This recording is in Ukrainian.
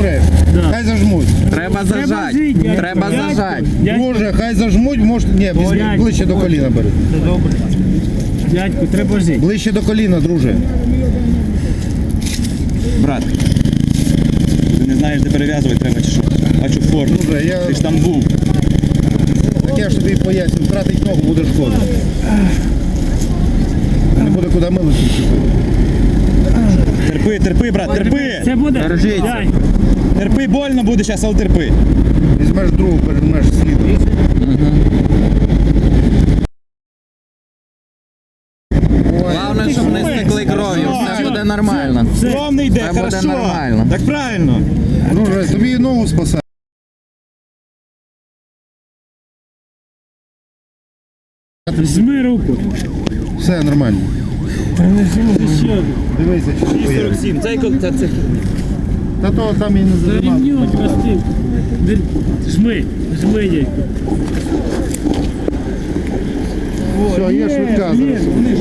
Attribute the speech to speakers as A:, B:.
A: помреш.
B: Да.
A: Хай зажмуть.
C: Треба зажать.
B: жити,
C: Треба
B: дядько.
C: зажать.
A: Друже, хай зажмуть, може... Ні, візьміть ближче до коліна бери.
B: Це добре. Дядьку, треба жити.
A: Ближче до коліна, друже.
D: Брат, ти не знаєш, де перев'язувати треба чи що? Бачу форму.
A: Друже, я...
D: Ти ж там був.
A: Так я ж тобі поясню, втратить ногу буде шкода. Не буде куди милити.
D: Терпи, терпи, брат, терпи!
B: Це буде?
C: Держіться.
B: Дядьку.
D: Терпи, больно буде зараз, але терпи.
A: Візьмеш другу, переймеш слідом.
C: Головне, щоб не стекли кров'ю. Все буде нормально.
D: Кров не йде,
C: Це буде
D: хорошо.
C: нормально.
D: Так правильно.
A: Друже, тобі ногу спасає.
B: Жми руку.
A: Все нормально.
B: Ще.
A: Дивися, чи не появиться.
D: Це
A: Та то там і не зажимав.
B: Ремнем костив. Жми, жми, дядьку.
A: Все, є швидка зараз.